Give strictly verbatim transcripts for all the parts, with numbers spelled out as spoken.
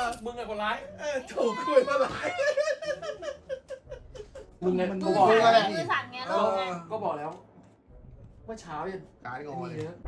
มึงไงคนร้ายเออถูกคุยมาหลายมึงไงมันก็มืบอกอแล้วมือสั่นไงเอลูกไงอก็บอกแล้วเมื่อเช้ายังการงอเลยนี่นะ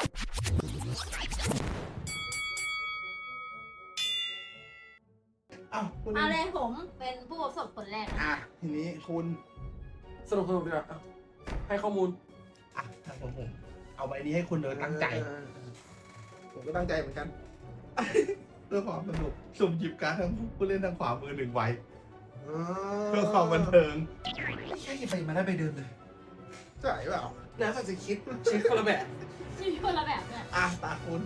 อ้าวคุณเอาเลยผมเป็นผู้ประสบผลแรกนะอ่ะทีนี้คุณสนุกสนุกดีกว่าอ่ะให้ข้อมูลอ่ะทางผมผมเอาใบนี้ให้คุณเลยตั้งใจเออเออผมก็ตั้งใจเหมือนกัน เพื่อความสนุกสุ่มหยิบการ์ดทั้งผู้เล่นทางขวามือหนึ่งใบเออเพื่อความบันเทิงไม่ใช่ไปมาได้ไปเดิมเลยใช่เปล่าแล้วแต่จะคิดคิดคนละแบบมีคนละแบบเนี่ยอ่ะตาคุณ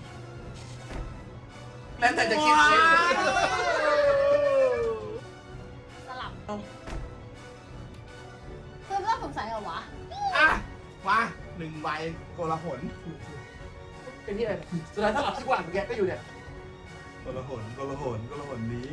แล้วแต่จะคิดคิดสลับคือเรื่องสงสัยเหรอวะอ่ะมาหนึ่งใบโกลาหลเป็นที่อะไรสุดท้ายถ้าหลับที่กว่าแกก็อยู่เนี่ยโกลาหลโกลาหลโกลาหลนี้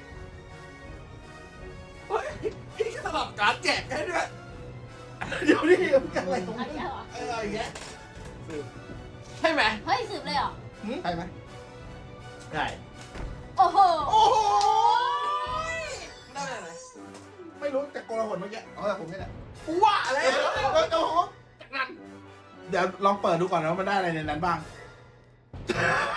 เฮ้ยพี่สลับการ์ดแจกให้ด้วยเดี๋ยวนี่มันอะไรตรงอันนี้นี้เหรอเอออย่างเงี้ยใช่ไหมเฮ้ยสืบเลยเหรอหืมใช่ไหมใช่โอ้โหโอ้โหได้ไปไหนไม่รู้แต่โกลาหลเมื่อกี้เอาแต่ผมนี่แหละว่าอะไรเออเออโอ้โหจากนั้นเดี๋ยวลองเปิดดูก่อนนะว่ามันได้อะไรในนั้นบ้าง